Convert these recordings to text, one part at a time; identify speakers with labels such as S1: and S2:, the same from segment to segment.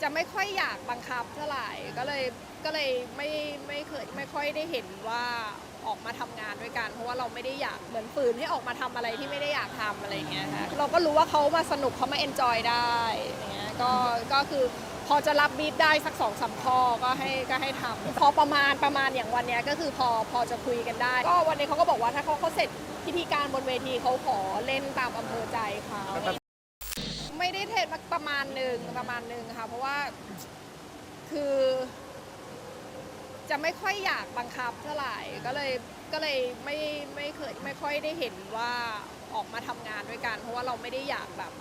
S1: จะไม่ค่อยอยากบังคับเท่าไหร่ก็เลยไม่ค่อยได้เห็นว่าออกมาทำงานด้วยกันเพราะว่าเราไม่ได้อยากเหมือนฝืนให้ออกมาทำอะไรที่ไม่ได้อยากทำอะไรอย่างเงี้ยค่ะเราก็รู้ว่าเขามาสนุกเขามาเอนจอยได้อย่างเงี้ยก็คือพอจะรับบีทได้สัก2-3 ข้อก็ให้ทำพอประมาณอย่างวันเนี้ยก็คือพอจะคุยกันได้ก็วันนี้เขาก็บอกว่าถ้าเขาเสร็จพิธีการบนเวทีเขาขอเล่นตามอำเภอใจเขาไม่ได้เทรดมาประมาณหนึ่งค่ะเพราะว่าคือจะไม่ค่อยอยากบังคับเท่าไหร่ก็เลยไม่ค่อยได้เห็นว่าออกมาทำงานด้วยกันเพราะว่าเราไม่ได้อยากแบบ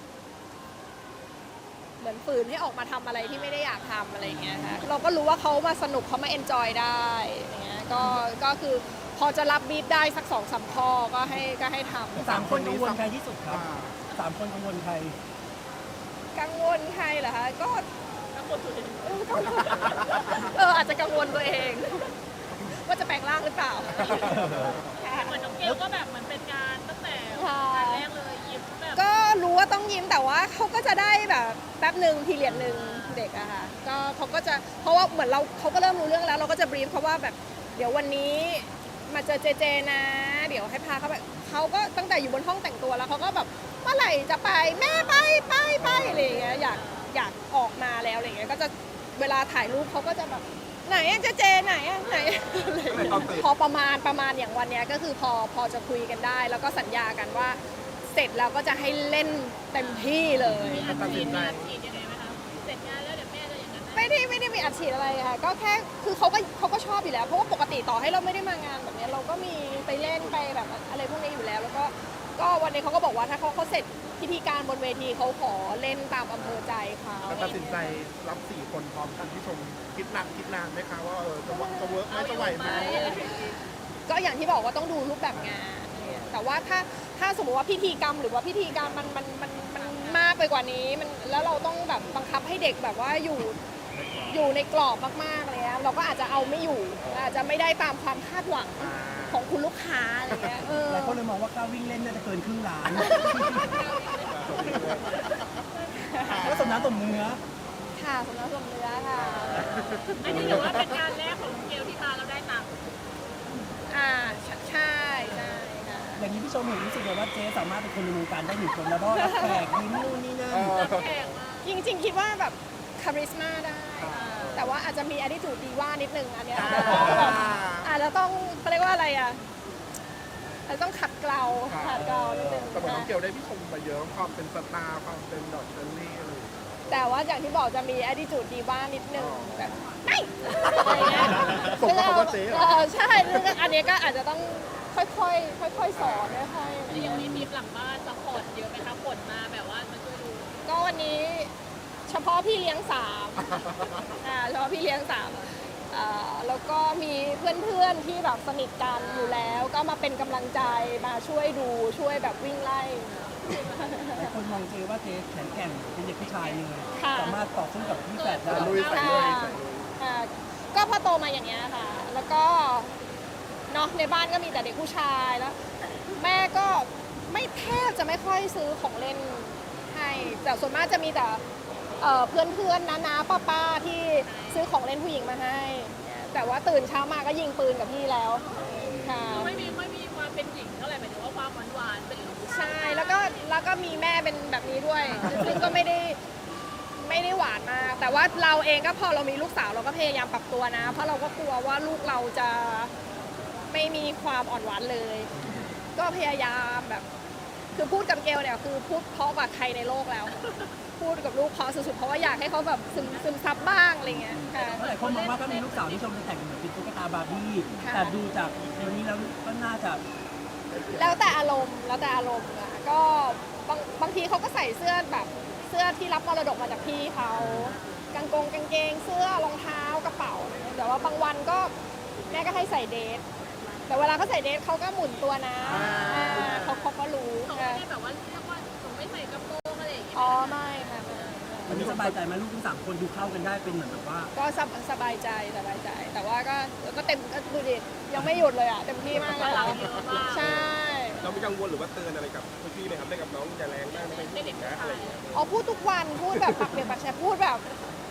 S1: เหมือนฝืนให้ออกมาทำอะไรที่ไม่ได้อยากทำอะไรอย่างเงี้ยค่ะเราก็รู้ว่าเขามาสนุกเขามาเอนจอยได้อย่างเงี้ยก็คือพอจะรับบีทได้สัก2-3 ข้อก็ให้ทำ
S2: 3 คนกังวลใครที่สุดครับ3 คนกังวลใคร
S1: กังวลใครเหรอคะก็กังวลตัวเองอาจจะกังวลตัวเองว่าจะแปลงร่างหรือเปล่า
S3: เหมือนน้องเกลก็แบบเหมือนเป็นการตั้งแต่การแรกเลยยิ้มแบบ
S1: ก็รู้ว่าต้องยิ้มแต่ว่าเขาก็จะได้แบบแป๊บหนึ่งพีเรียดหนึ่งเด็กอะค่ะก็เขาก็จะเพราะว่าเหมือนเขาก็เริ่มรู้เรื่องแล้วเราก็จะบรีฟเขาว่าแบบเดี๋ยววันนี้มาเจอเจนะเดี๋ยวให้พาเขาไปเขาก็ตั้งแต่อยู่บนห้องแต่งตัวแล้วเขาก็แบบเมื่อไหร่จะไปแม่ไปอะไรอย่างเงี้ยอยากออกมาแล้วอะไรอย่างเงี้ยก็จะเวลาถ่ายรูปเขาก็จะแบบไหนเจไหนไหนพอประมาณอย่างวันเนี้ยก็คือพอจะคุยกันได้แล้วก็สัญญากันว่าเสร็จแล้วก็จะให้เล่นเต็มที่เลย
S3: มีอัดฉีดยังไงไหมคะเสร็จงานแล้วเดี๋ยวแม่จะอย่างนั้น
S1: ไม่ได้มีอัดฉีดอะไรค่ะก็แค่คือเขาก็ชอบอยู่แล้วเพราะว่าปกติต่อให้เราไม่ได้มางานแบบนี้เราก็มีไปเล่นไปแบบอะไรพวกนี้อยู่แล้วแล้วก็วันนี้เขาก็บอกว่าถ้าเขาเสร็จพิธีการบนเวทีเขาขอเล่นตามอำเภอใจเขา
S4: ตัดสินใจรับ4 คนพร้อมกันที่ชมคิดนานไหมคะว่าจะเวิร์กไหมจะไหวไหม
S1: ก็อย่างที่บอกว่าต้องดูรูปแบบงานแต่ว่าถ้าสมมติว่าพิธีกรรมหรือว่าพิธีการมันมากไปกว่านี้แล้วเราต้องแบบบังคับให้เด็กแบบว่าอยู่ในกรอบมากๆเลยนะเราก็อาจจะเอาไม่อยู่อาจจะไม่ได้ตามความคาดหวังของคุณลูกค้าอะไรเงี้ย
S2: หลายคนเลยมองว่าก้าววิ่งเล่นน่าจะเกินครึ่งล้านก็สมน้ำสมเนื้อ
S1: ค่ะสมน้ำสมเนื้อค่ะ
S3: อันนี้ถือว่าเป็นการแรกของเกลที่มาแล้วได้ตังค์
S1: ใช่ค่ะ
S2: อย่างนี้พี่ชมเห็นรู้สึกว่าเจ๊สามารถเป็นคนในวงการได้1 คนแล้วก็รับแขกยิ้มนู่นนี่นั่น
S1: จริงๆคิดว่าแบบคาริสมาได้แต่ว่าอาจจะมี attitude ดีว่านิดนึงอันเนี้ยอาจจะต้องเขาเรียกว่าอะไรอ่ะอาจจะต้องขัดเกลานิดนึง
S4: แต่เหมือนน้องเกลได้พี่ชมมาเยอะความเป็นสตาร์ความเป็นดอกเชอรี่อะไร
S1: แต่ว่าอย่างที่บอกจะมี attitude ดีว่านิดนึงแบบไม่อะไรเงี้ย
S4: ผมก็เขาว่าเจ๊
S1: ใช่อันนี้ก็อาจจะต้องค่อยๆสอนค่อย
S3: ๆอย่างนี้มีหลังบ้านซัพพอร์ตเยอะไหมคะผลมาแบบว่ามาช่วยดู
S1: ก็วันนี้เฉพาะพี่เลี้ยงเฉพาะพี่เลี้ยงแล้วก็มีเพื่อนๆที่แบบสนิทกันอยู่แล้วก็มาเป็นกำลังใจมาช่วยดูช่วยแบบวิ่งไล่
S2: หลายคนมองเจว่าเจ๊แข็งแกร่งเป็นเด็กผู้ชายเลยสามารถต่อสู้กับพี่แฝดได้
S1: ก็พอโตมาอย่างเงี้ยค่ะแล้วก็เนาะในบ้านก็มีแต่เด็กผู้ชายแล้วแม่ก็แทบจะไม่ค่อยซื้อของเล่นให้แต่ส่วนมากจะมีแต่เพื่อนน้าป้าที่ซื้อของเล่นผู้หญิงมาให้แต่ว่าตื่นเช้ามาก็ยิงปืนกับพี่แล้ว
S3: ค่ะไม่มีความเป็นหญิงเท่าไหร่หมายถึงว่าความหวานเป็นลูก
S1: ใช่แล้วก็มีแม่เป็นแบบนี้ด้วยซึ่งก็ไม่ได้หวานมากแต่ว่าเราเองก็พอเรามีลูกสาวเราก็พยายามปรับตัวนะเพราะเราก็กลัวว่าลูกเราจะไม่มีความอ่อนหวานเลยก็พยายามแบบคือพูดกับเกลเนี่ยคือพูดเพราะกว่าใครในโลกแล้วพูดกับลูกเพราะสุดๆเพราะว่าอยากให้เขาแบบซึมซับบ้างอะไรเงี้ยค่ะ
S2: หลายคนมองว่าถ้ามีลูกสาวที่ชมจะแต่งเหมือนเป็นตุ๊กตาบาร์บี้แต่ดูจากวันนี้แล้วก็น่าจะ
S1: แล้วแต่อารมณ์อ่ะก็บางทีเขาก็ใส่เสื้อแบบเสื้อที่รับมรดกมาจากพี่เขากางเกงเสื้อรองเท้ากระเป๋าแต่ว่าบางวันก็แม่ก็ให้ใส่เดทแต่เวลาเขาใส่เดทเขาก็หมุนตัวนะเขาก็รู้
S3: เขาไม่ได้แบบว่าเรียกว่าผมไม่ใส่กระโปรงอะไรอย่างเงี้ย
S1: ไม่ค่ะ
S2: วันนี้สบายใจไหมลูกทั้ง3 คนดูเข้ากันได้เป็นเหมือนแบบว่า
S1: ก็สบายใจแต่ว่าก็เต็มดูดิยังไม่หยุดเลยอ่ะเต็มที่มากเลยใช่
S4: เราไม่กังวลหรือว่าเตือนอะไรกับพี่ไหมครับได้กับน้องอย่าแรงมากไม่เด็กนะอะไรอย่างเงี้ย
S1: พูดทุกวันพูดแบบปากเปียกปากแฉะพูดแบบ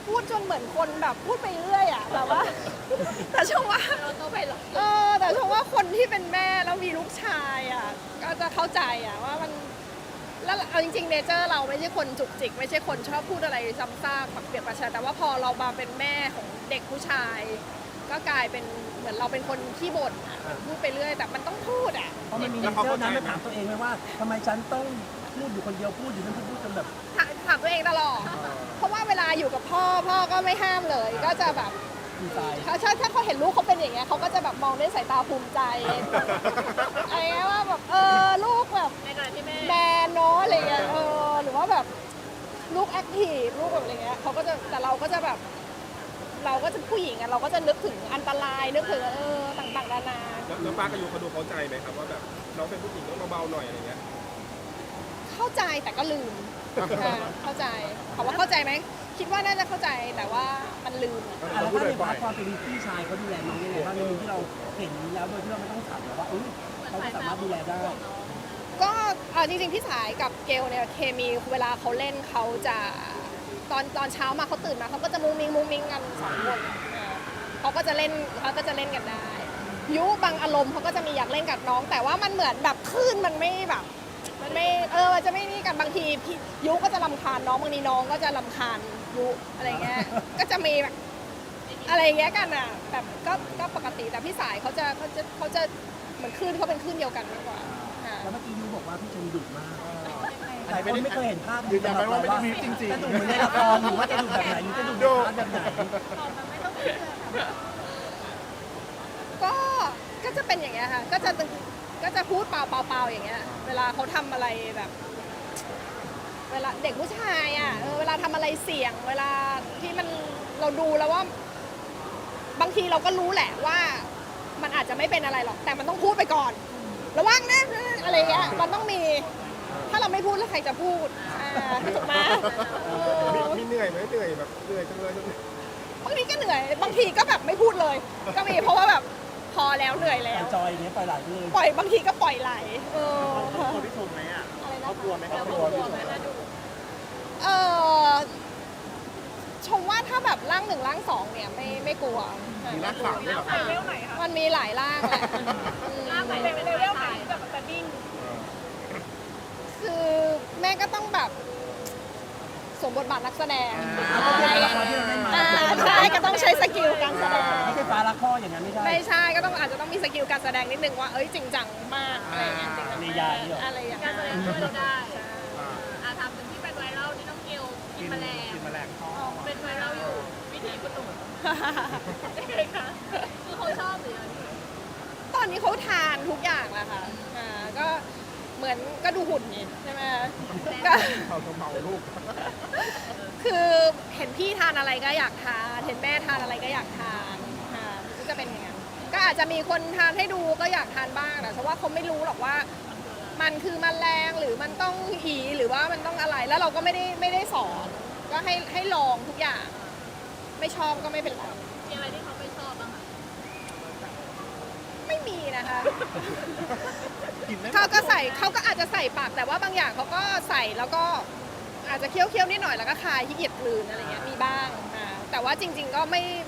S1: พูดจนเหมือนคนแบบพูดไปเรื่อยอ่ะแบบว่า แต่ชมว่า
S3: เราต้องไปหรอ
S1: แต่ชมว่าคนที่เป็นแม่แล้วมีลูกชายอ่ะก็จะเข้าใจอ่ะว่ามันแล้วเอาจริงๆเนเจอร์เราไม่ใช่คนจุกจิกไม่ใช่คนชอบพูดอะไรซ้ำซากแบบเปรียบประชาแต่ว่าพอเรามาเป็นแม่ของเด็กผู้ชาย ก็กลายเป็นเหมือนเราเป็นคนขี้บ่นอะพูดไปเรื่อยแต่มันต้องพูดอ่ะ
S2: เพราะมันมีเนเจอร์นั้นมาถามตัวเองไหมว่าทำไมฉันต้องพูดอยู่คนเดียวพูดอยู่นั่นพูดจนแบบ
S1: ถามตัวเองตลอด เพราะว่าเวลาอยู่กับพ่อก็ไม่ห้ามเลย ก็จะแบบ
S2: ดีใจ
S1: ถ้าเขาเห็นลูกเขาเป็นอย่างเงี้ยเขาก็จะแบบมองด้วยสายตาภูมิใจอะไรเงี้ยว่าแบบลูกแบบ
S3: ในขณะที่แม่
S1: แมนเนาะอะไรเงี้ยหรือว่าแบบลูกแอคทีฟลูกแบบอะไรเงี้ยเขาก็จะแต่เราก็จะแบบเราก็จะผู้หญิงอะเราก็จะนึกถึงอันตรายนึกถึงต่างๆนานา
S4: แล้วป้ากับยูเขาดูเข้าใจไหมครับว่าแบบน้องเป็นผู้หญิงต้องเบาๆหน่อยอะไรเงี้ย
S1: เข้าใจแต่ก็ลืมเข้าใจถามว่าเข้าใจไหมคิดว่าน่าจะเข้าใจแต่ว่ามันลืมอะ
S2: แล้วถ้าในพาร์ทความเป็นพี่ชายเขาดูแลน้องยังไงบ้างในมุมที่เราเห็นแล้วโดยที่เราไม่ต้องถามว่าเขาก็สามารถดูแลได้
S1: ก็จริงๆพี่สายกับเกลเนี่ยเคมีเวลาเขาเล่นเขาจะตอนเช้ามาเขาตื่นมาเขาก็จะมุ้งมิ้งกันสองคนเขาก็จะเล่นกันได้ยุบางอารมณ์เขาก็จะมีอยากเล่นกับน้อง แต่ว่ามันเหมือนแบบคลื่นมันไม่แบบมันไม่มันจะไม่นี่กันบางทีพี่ยุก็จะรำคาญน้องบางทีน้องก็จะรำคาญยุอะไรเงี้ย ก็จะมีแบบอะไรเงี้ยกันอ่ะแบบก็ปกติแต่พี่สายเขาจะเหมือนคลื่นเขาเป็นคลื่นเดียวกันมากกว่าค่ะ
S2: แล้วเมื่อกี้ยูบอกว่าพี่ชมดุมากหลายคนไม่เคยเห็นภาพ
S4: ยืนยันไหมว่าไม่ได้มีจริง
S2: จะดุเหมือนในละครหรือว่าจะดุแบบไหนยูจะดุแบบไหน
S1: ก็จะเป็นอย่างเงี้ยค่ะก็จะพูดเปล่าอย่างเงี้ยเวลาเขาทำอะไรแบบ เวลาเด็กผู้ชายอ่ะเวลาทำอะไรเสี่ยง เวลาที่มันเราดูแล้วว่า บางทีเราก็รู้แหละว่า มันอาจจะไม่เป็นอะไรหรอกแต่มันต้องพูดไปก่อน ระวังนะอะไรเงี้ยมันต้องมี ถ้าเราไม่พูดแล้วใครจะพูดถูกไหม
S4: มีเหนื่อยไหมเหนื่อยแบบเหนื่อยจังเลย
S1: บางทีก็เหนื่อย บางทีก็แบบไม่พูดเลย ก็มีเพราะว่าแบบพอแล้วเหนื่อยแล้ว
S2: จอยอย่างเงี้ยปล่อยไหลไปเลย
S1: ปล่อยบางทีก็ปล่อยไหลค่ะ
S4: คนที่ชมไหมอ่ะ
S1: อะไรนะ
S4: เขากลัวไหมครับ
S3: เรา
S4: กลัว
S3: กลั
S4: ที่
S3: ว
S4: ช
S3: ไหม
S4: ม
S3: นะดู
S1: ชมว่าถ้าแบบร่างหนึ่งร่างสองเนี่ยไม่กลัว
S4: มีรักสามด้วยเหรอค
S3: ใคร
S4: รับ
S3: เร็วไหนคะ
S1: มันมีหลายร่างแหละ
S3: ล่าไหนเป็นเร็วไหนแบบแต่นิ่ง
S1: คือแม่ก็ต้องแบบสวมบทบาทนักแสดง ใช่ก็ต้องใช้สกิลการแสดง
S2: ไม่ใช่ฟ้ารักพ่ออย่างนั้นไม่ใช่
S1: ไม่ใช่ก็ต้องอาจจะต้องมีสกิลการแสดงนิดนึงว่าจริงจังมากอะไรอย่างเงี้ยจริงจัง
S2: ใน
S1: มาก
S2: ยานี่หรอ
S1: อะไรอย่าง
S3: การ
S1: เงี้ย
S3: แสดงช่วยเราได้ทำเป็นที่เป็นไวรัลที่น้องเกลกินแมลง
S4: กินแมลงทอด
S3: เป็นไวรัลอยู่วิถีคุณหนุ่มยังไงคะคือเขาชอบหรือยัง
S1: ตอนนี้เขาทานทุกอย่างแล้วค่ะก็เหมือนก็ดูหุ่นนี่ใช่ไหมก็
S4: เขาจะเมาลูก
S1: คือเห็นพี่ทานอะไรก็อยากทานเห็นแม่ทานอะไรก็อยากทานค่ะก็จะเป็นอย่างนั้นก็อาจจะมีคนทานให้ดูก็อยากทานบ้างแต่เพราะว่าเขาไม่รู้หรอกว่า มันคือแมลงหรือมันต้องอีหรือว่ามันต้องอะไรแล้วเราก็ไม่ได้สอนก็ให้ลองทุกอย่าง ไม่ชอบก็ไม่เป็นไร
S3: มีอะไรที่เขาไม่ชอบบ้างคะ
S1: ไม่มีนะคะ
S4: กินได้
S1: เขาก็อาจจะใส่ปากแต่ว่าบางอย่างเขาก็ใส่แล้วก็อาจจะเคี้ยวๆนิดหน่อยแล้วก็คายขี้เกียจกลืนอะไรเงี้ยมีบ้างแต่ว่าจริง ๆก็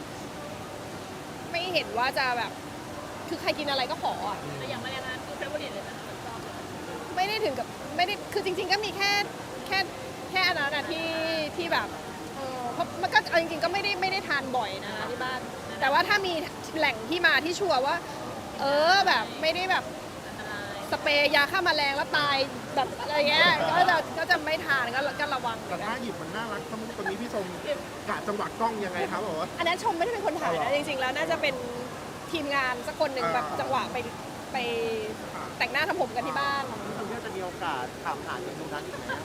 S1: ไม่เห็นว่าจะแบบ คือใครกินอะไรก็ขออ่ะ
S3: แต่อย่างแมลงนั้นคือเฟเวอร์ริตเลยนะชอบ
S1: ไม่ได้ถึงกับไม่ได้คือจริง ๆ ก็มีแค่อันนั้นอะที่แบบเพราะมันก็เอาจริงๆก็ไม่ได้ทานบ่อยนะที่บ้าน แต่ว่าถ้ามีแหล่งที่มาที่ชัวร์ว่า แบบไม่ได้แบบ
S3: อันตราย
S1: สเปรย์ยาฆ่าแมลงแล้วตายแบบอะไรเงี้ยก็จะไม่ทานก็ระวัง
S4: แต่ถ้าหยิบมันน่ารักทั้งตัวนี้พี่ชมกะจังหวะกล้องยังไงครับบอกว่า
S1: อันนั้นชมไม่ได้เป็นคนถ่ายนะจริงๆแล้วน่าจะเป็นทีมงานสักคนหนึ่งแบบจังหวะไปแต่งหน้าทำผมกันที่บ้าน
S5: คุณเพื่อจะมีโอกาสถามหาจากตรงนั้นอีกไหม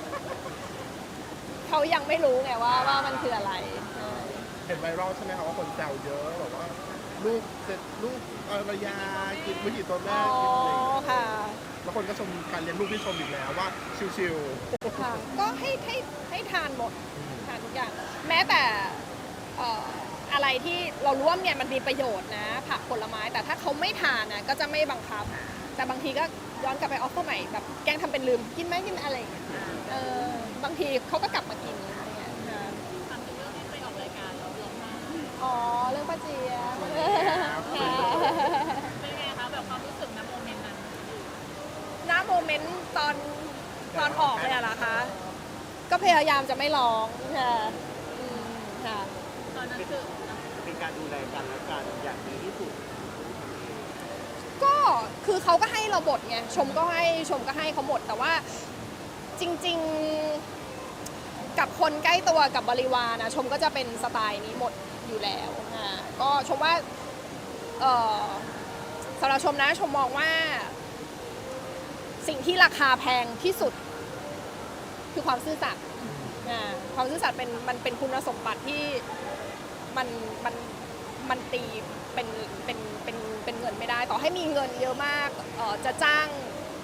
S1: เขายังไม่รู้ไงว่ามันคืออะไร
S4: เห็นไวรัลใช่ไหมครับว่าคนแซวเยอะบอกว่าลูกเสร็จลูกภรรยากินวิถีตัวแม่
S1: อ๋อ
S4: กินอะไรอย่างเงี้ย
S1: ค่ะ
S4: แล้วคนก็ชมการเลี้ยงลูกที่ชมอีกแล้วว่าชิว
S1: ค่ะก็ให้ทานหมดทานทุกอย่าง แม้แต่อะไรที่เรารู้ว่าเนี่ยมันมีประโยชน์นะผักผลไม้แต่ถ้าเขาไม่ทานนะก็จะไม่บังคับ แต่บางทีก็ย้อนกลับไปออฟเฟอร์ใหม่แบบแกล้งทำเป็นลืมกินไหมกินอะไรอย่างเงี้ยบางทีเขาก็กลับมากินอะไรอย่างเงี้ยค่ะ
S3: ทำถึงเรื่องที่ไปออก
S1: อ๋อเรื่องป้าเจี๊ยบ
S3: เป็นไงคะแบบความรู้สึกนะโมเมนต์นั้น
S1: ณโมเมนต์ตอนออกเลยอะนะคะ ก็พยายามจะไม่ร้องค่ะอืมค่ะ
S3: ตอนนั้นคือ
S5: เป็นการดูแลกันและกันอย่างดีที่สุด
S1: ก็คือเขาก็ให้เราบทไงชมก็ให้เขาหมดแต่ว่าจริงๆกับคนใกล้ตัวกับบริวารนะชมก็จะเป็นสไตล์นี้หมดอยู่แล้วก็ชมว่าสำหรับชมนะชมมองว่าสิ่งที่ราคาแพงที่สุดคือความซื่อสัตย์ความซื่อสัตย์มันเป็นคุณสมบัติที่มันตีเป็นเงินไม่ได้ต่อให้มีเงินเยอะมากจะจ้าง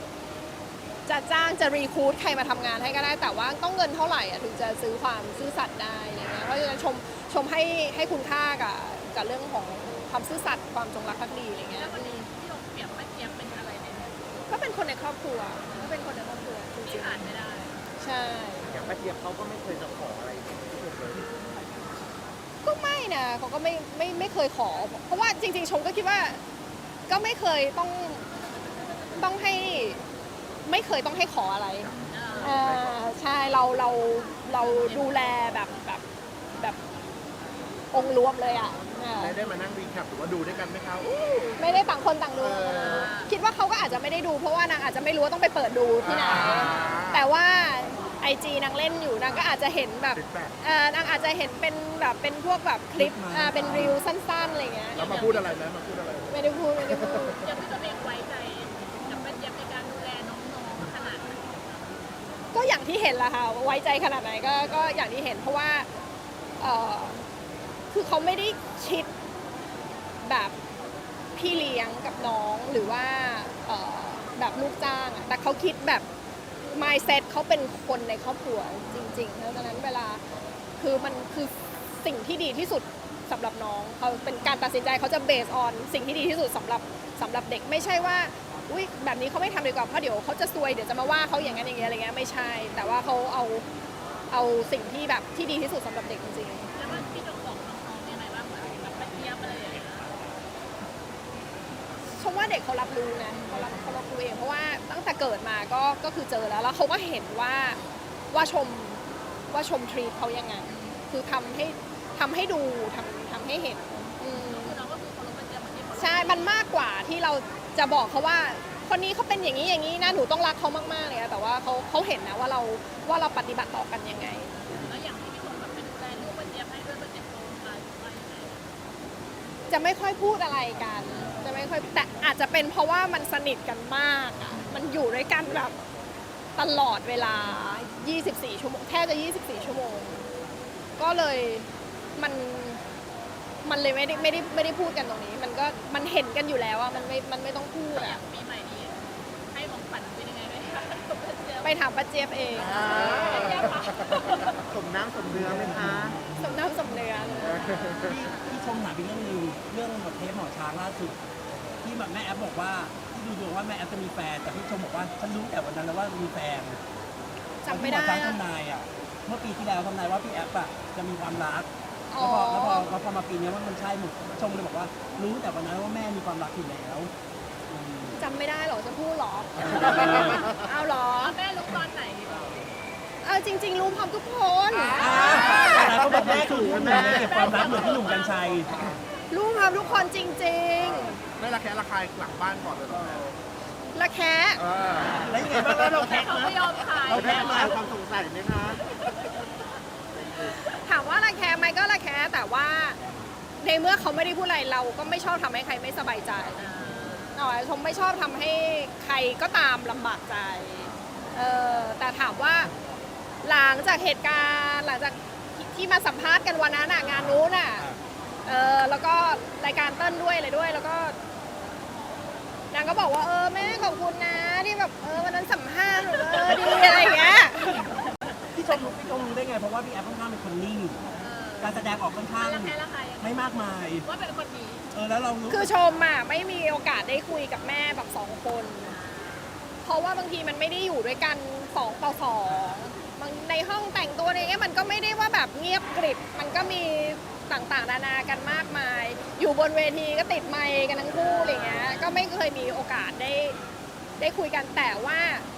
S1: จะรีคูดใครมาทำงานให้ก็ได้แต่ว่าต้องเงินเท่าไหร่ถึงจะซื้อความซื่อสัตย์ได้อะไรเงี้ยเพราะฉะนั้นชมให้คุณค่ากับเรื่องของความซื่อสัตย์ความจงรักภักดีอะไรเงี้ย
S3: แล้ววันนี้ที่เราเปรียบป้าเจี๊ยบเป็นอะไรเนี่ย
S1: ก็เป็นคนในครอบครัวก็เป็นคนในครอบครัวจ
S3: ที่
S1: ริง
S3: ผ่านไม่ได้
S1: ๆใช่
S5: อย่างป้าเจี๊ยบเขาก็ไม่เคยจะขออะไรที่สุดเลย
S1: ก็ไม่นะเขาก็ไม่เคยขอ เพราะว่าจริงๆชมก็คิดว่าก็ไม่เคยต้องให้ไม่เคยต้องให้ขออะไรใช่เราดูแลแบบองค์รวมเลยอ่ะ
S4: ได้มานั่งรีแคปหรือว่าดูด้วยกันไหมครับ
S1: ไม่ได้ต่างคนต่างดู
S4: เออ
S1: คิดว่าเขาก็อาจจะไม่ได้ดู เพราะว่านางอาจจะไม่รู้ว่าต้องไปเปิดดูที่ไหนแต่ว่า IG นางเล่นอยู่นางก็อาจจะเห็นแบบ
S4: feedback
S1: นางอาจจะเห็นเป็นแบบเป็นพวกแบบคลิปเป็นรีวสั้นๆอะไรเงี้ย
S4: แล้วมาพูดอะไรไหมมาพูดอะไร
S1: ไม่ได้พูด
S3: ยังพี่ตัวเองไว้ใจกับป้าเจี๊ยบในการดูแลน้องๆขนาดไหน
S1: ก็อย่างที่เห็นแหละค่ะไว้ใจขนาดไหนก็อย่างที่เห็นเพราะว่าคือเขาไม่ได้ชิดแบบพี่เลี้ยงกับน้องหรือว่าแบบลูกจ้างอะแต่เขาคิดแบบ mindset เขาเป็นคนในครอบครัวจริงๆแล้วดังนั้นเวลาคือมันคือสิ่งที่ดีที่สุดสำหรับน้องเขาเป็นการตัดสินใจเขาจะ based on สิ่งที่ดีที่สุดสำหรับเด็กไม่ใช่ว่าอุ้ยแบบนี้เขาไม่ทำดีกว่าเพราะเดี๋ยวเขาจะซวยเดี๋ยวจะมาว่าเขาอย่างนั้นอย่างเงี้ยอะไรเงี้ยไม่ใช่ แต่ว่าเขาเอาสิ่งที่แบบที่ดีที่สุดสำหรับเด็กจริงๆ
S3: แล้วว่าพี่ต้องบอกน้องๆยังไงบ้างเหมือนกับป้าเจี๊ยบอะไรอย่างเงี้ย
S1: ชมว่าเด็กเขารับรู้นะเขารับรู้เองเพราะว่าตั้งแต่เกิดมาก็คือเจอแล้วเขาก็เห็นว่าชมทรีตเขายังไงคือทำให้ดูทำให้เห็น
S3: คือน้องก็คือเคารพป้าเจี๊ยบเหมือนที่เขา
S1: ใช่มันมากกว่าที่เราจะบอกเขาว่าคนนี้เขาเป็นอย่างนี้นะหนูต้องรักเขามากๆเลยนะแต่ว่าเขาเห็นนะว่าเราปฏิบัติต่อกันยังไง
S3: แล้วอย่างที่พี่คนแบบเป็นดูแลลูกป้าเจี๊ยบให้ด้วยป้าเจี๊ยบโตมาว่ายังไง
S1: จะไม่ค่อยพูดอะไรกันจะไม่ค่อยแต่อาจจะเป็นเพราะว่ามันสนิทกันมากอ่ะมันอยู่ด้วยกันแบบตลอดเวลา 24 ชั่วโมงแทบจะ 24 ชั่วโมง ก็เลยมันเลยไม่ได้พูดกันตรงนี้ มันเห็นกันอยู่แล้วอ่ะมันไม่ต้องพูด
S3: อ
S1: อ่ะ
S3: ย่างปีใหม่นี้ให้ของขวัญเป็นยังไงไหมคะป้าเจี๊ยบ
S1: ไปถามป้าเจี๊ยบเอง
S5: สมน้ำสมเนื้อไหมคะ
S1: สมน้ำสมเนื้อเลย
S2: ที่ชมถามอีกเรื่องหนึงเรื่องบทเทปหมอช้างล่าสุดที่แบบแม่แอฟบอกว่าที่ดูดวงว่าแม่แอฟจะมีแฟนแต่พี่ชมบอกว่าฉันรู้แต่วันนั้นแล้วว่ามีแฟน
S1: จำไม่ได้
S2: ตอนที่หมอช้าง
S1: อะ
S2: ทำนายอ่ะเมื่อปีที่แล้วทำนายว่าพี่แอฟอ่ะจะมีความรัก
S1: อ๋อ
S2: แล้วพอมาปีนี้ว่ามันใช่หมดชมเลยบอกว่ารู้แต่วันนั้นว่าแม่มีความรักอยู่แล้วอืม
S1: จำไม่ได้เหรอจะพูดเหรอ เอาเหรอ
S3: แล้วแม่รู้ตอนไหนดีบ้าง
S1: เอาจริง ๆ รู้พร้อมทุกคน
S2: แต่เขาบอกแม่คือผู้หนุ่มเก็บความรักเหมือนพี่หนุ่มกัญชัย
S1: รู้พร้อมทุกคนจริง
S4: ไม่ระแคะระคายหลังบ้านก่อนเลยเหรอ
S1: ๆละแคะ
S4: เออ
S2: แล้วยังไงบ้างแล้วเราแท็ก
S3: เขา
S2: ไหม
S3: ไม่ยอมขาย
S2: เรา
S5: แม่คลายความสงสัยไหมคะ
S1: ถามว่าละแคะไหมก็ละแคะแต่ว่าในเมื่อเขาไม่ได้พูดอะไรเราก็ไม่ชอบทำให้ใครไม่สบายใจชมไม่ชอบทำให้ใครก็ตามลำบากใจแต่ถามว่าหลังจากเหตุการณ์หลังจากที่มาสัมภาษณ์กันวันนั้นงานนู้นแล้วก็รายการเต้นด้วยอะไรด้วยแล้วก็นางก็บอกว่าแม่ขอบคุณนะที่แบบวันนั้นสัมภาษณ์ดีอะไรอย่างเงี้ย
S2: พี่ชมรู้ได้ไงเพราะว่าพี่แอฟค่อนข้างเป็นคนนิ่งการแสดงออกค่อนข้าง
S3: แล้วแพ้ละใครยังไง
S2: ไม่มากมาย
S3: ว่าเป็นคนนี้
S2: แล้วเรารู้
S1: คือชมไม่มีโอกาสได้คุยกับแม่แบบ2 คน เพราะว่าบางทีมันไม่ได้อยู่ด้วยกัน2 ต่อ 2บางในห้องแต่งตัวอะไรเงี้ยมันก็ไม่ได้ว่าแบบเงียบกริบมันก็มีต่างๆนานากันมากมาย อยู่บนเวทีก็ติดไมค์กันทั้งคู่อะไรเงี้ยก็ไม่เคยมีโอกาสได้คุยกันแต่ว่า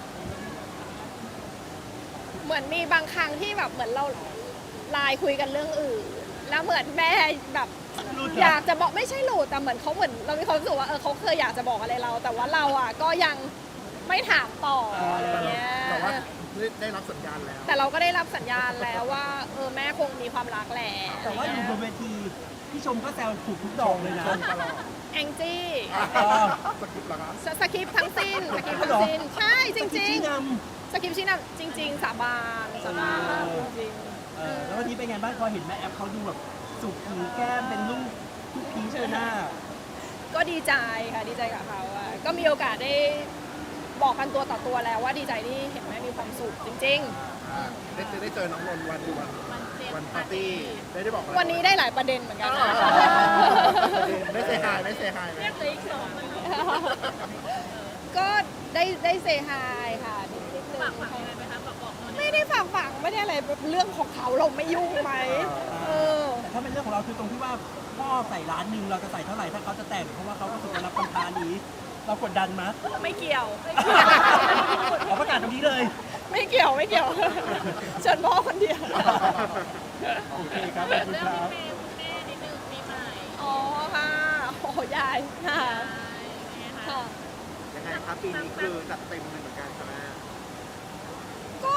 S1: เหมือนมีบางครั้งที่แบบเหมือนเราไลน์คุยกันเรื่องอื่น แล้วเหมือนแม่แบบอยากจะบอกไม่ใช่หลุดแต่เหมือนเขาเหมือนเรามีความรู้สึกว่าเขาเคยอยากจะบอกอะไรเรา แต่ว่าเราอ่ะก็ยังไม่ถามต่ออะไรเงี้ย
S4: แต่ว่าได้รับสัญญาณแล้ว
S1: แต่เราก็ได้รับสัญญาณแล้วว่าแม่คงมีความรักแหละ
S2: แต่ว่าอยู่บนเวทีพี่ชมก็แซวถูกทุกดอกเลยนะ
S4: ชมตลอด
S1: แองจี้
S4: สกิปเหรอครับ
S1: สคริปต์ทั้งสิ้นสคริปต์ทั้งสิ้นใช่จริง
S2: ชี้น
S1: ๆสคริปต์ชี้นำจริง ๆ สาบานจริง
S2: ำแล้ววันนี้เป็นไงบ้างพอเห็นแม่แอฟเขาดูแบบสุกหูแก้มเป็นลูกทุกพีชเลยหน้า
S1: ก็ดีใจค่ะดีใจกับเขาอะก็มีโอกาสได้บอกกันตัวต่อตัวแล้วว่าดีใจที่เห็นแม่มีความสุขจริง
S4: ได้เจอน้องนนท์วันปาร์ตี้ได้บอกอะไร
S1: ๆ วันนี้ได้หลายประเด็นเหมือนกันนะ
S4: ไม่เซฮายไม่เซฮายไหม
S3: เรียกเลยอีกสองมัน
S1: ก็ได้เซฮายค่ะนิดนึง
S3: ฝากอะไรไหมคะบอกนนท์
S1: ไม่ได้ฝากฝังไม่ได้อะไรเรื่องของเขาเราไม่ยุ่งไหมเออ
S2: แต่ถ้าเป็นเรื่องของเราคือตรงที่ว่าพ่อใส่ร้านหนึ่งเราจะใส่เท่าไหร่ถ้าเขาจะแต่งเพราะว่าเขาก็ถูกรับคำท้านี้ เรากดดันมั้ย
S1: ไม่เกี่ยว
S2: เราประกาศตรงนี้เลย
S1: ไม่เกี่ยวเชิญพ่อคนเดียว
S2: โอเคครับขอบคุณ
S3: เรื่อง
S2: ครับ
S3: พี่เมย์คุณแม่นิดนึงปีใหม่
S1: อ๋อค่ะโอ้ยายค่ะ ค่ะ
S5: ยังไงครับปีนี้คือจัดเต็มเลยเหมือนกันใช่ไหม
S1: ก็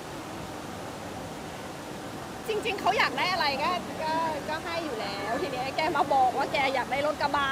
S1: จริง ๆเขาอยากได้อะไรก็ให้อยู่แล้ว ทีนี้แกมาบอกว่าแกอยากได้รถกระบะ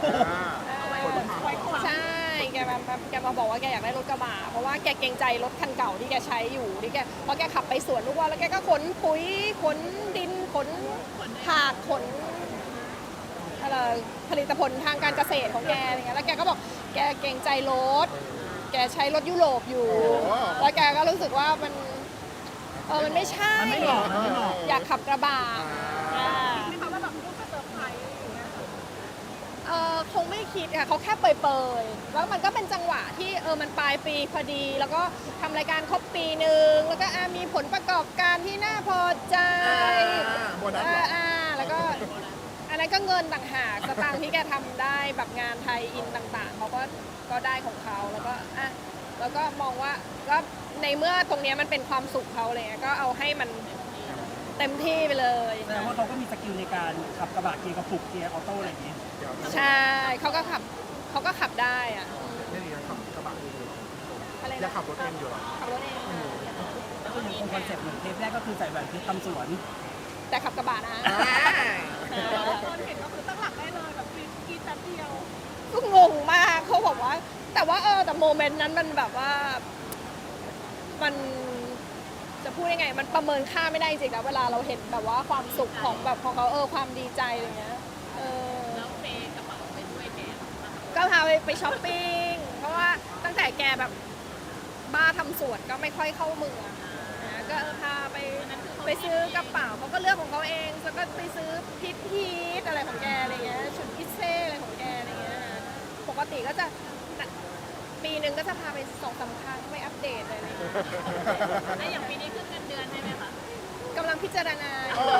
S1: ใช่แกมาบอกว่าแกอยากได้รถกระบะเพราะว่าแกเกรงใจรถคันเก่าที่แกใช้อยู่ที่แกเพราะแกขับไปสวนทุกวันแล้วแกก็ขนปุ๋ยขนดินขนผักขนอะไรผลิตผลทางการเกษตรของแกอะไรเงี้ยแล้วแกก็บอกแกเกรงใจรถแกใช้รถยุโรปอยู่แล้วแกก็รู้สึกว่ามันมันไม่ใช่
S2: มันไม่เหมาะมันไม่เหมาะ
S1: อยากขับกระบะ
S3: ไม่เขาว่าแบบลูกก็เซอร์ไพรส์อย่างเงี้ย
S1: คงไม่คิดค่ะเขาแค่เปยๆแล้วมันก็เป็นจังหวะที่มันปลายปีพอดี แล้วก็ทำรายการครบปีหนึ่งแล้วก็มีผลประกอบการที่น่าพอใจ
S4: โบนัสเหรอ
S1: แล้วก็อันนั้นก็เงินต่างหากสตางค์ที่แกทำได้แบบงานไทยอินต่างๆเขาก็ได้ของเขาแล้วก็แล้วก็มองว่าก็ในเมื่อตรงเนี้ยมันเป็นความสุขเขาเลยก็เอาให้มันเต็มที่ไปเลย
S2: แสดงว่าเขาก็มีสกิลในการขับกระบะเกียร์กระปุกเกียร์ออโต้อะไรอย่างนี้
S1: ใช่เขาก็ขับได้อะ
S4: ไม่ดีนะขับกระบะอยู่
S1: อะไร
S4: ยัง
S1: นะ
S4: ขับรถเองอยู่เหรอ
S1: ขับรถเอง
S2: แล้วก็ยังคงคอนเซ็ปต์เหมือนเทปแรกก็คือใส่แหวนเพชรทำสวน
S1: แต่ขับกระบะนะ
S3: คนเห็นก็คือตั้งหลักได้เลยแบบกินแป๊บเดียว
S1: ก็งงมากเขาบอกว่า แต่ว่าแต่โมเมนต์นั้นมันแบบว่ามันจะพูดยังไง มันประเมินค่าไม่ได้จริงๆนะเวลาเราเห็นแบบว่าความสุขของแบบของเขาความดีใจอะไรเงี้ย
S3: แล้วเมย์กระเป๋าไปด้วยแก
S1: ก็พาไปช้อปปิ้งเพราะว่าตั้งแต่แกแบบบ้าทำสวนก็ไม่ค่อยเข้าเมืองนะก็พาไปซื้อกระเป๋าเขาก็เลือกของเขาเองแล้วก็ไปซื้อพิทอะไรของแกอะไรเงี้ยชุดพิเศษอะไรของแกอะไรเงี้ยปกติก็จะปีหนึ่งก็จะพาไป2-3 ครั้งไม่อัปเดตเลยอะไรเงี้ย
S3: แล้วอย่างปีนี้ขึ้นเงินเดือนให้ไหมคะ
S1: กำลังพิจารณา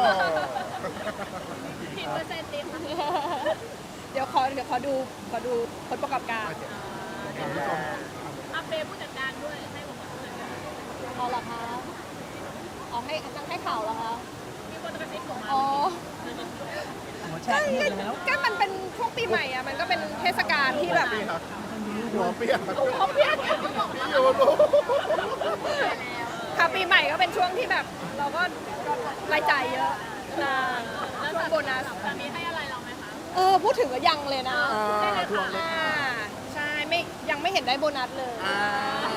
S3: กี่เปอร์เซ็นต์ดีคะ
S1: เดี๋ยวขอดูผลประกอบการ
S3: อัปเดตผู้จัดการด้วยให้ผมผู้จัดการ
S1: เอาเหรอคะเอาให้ตั้งให้ข่าวเหรอคะ
S3: มีคนกระซิบผมมา
S1: อ๋อ
S2: หัวแช่เงียบแล้ว
S1: ก็มันเป็นช่วงปีใหม่อะมันก็เป็นเทศกาลที่แบบ
S4: หัวเปียก
S1: เขาเพี้ยน
S4: พี่โยรู้
S1: ค่ะปีใหม่ก็เป็นช่วงที่แบบเราก็รายจ่ายเยอะนะ
S3: แล้ว
S1: ช่วงโบนัส
S3: สามีให้อะไรเราไหมคะ
S1: พูดถึงก็ยังเลยนะ
S4: ทวงเลย
S1: ใช่ยังไม่เห็นได้โบนัสเลย
S4: อ่า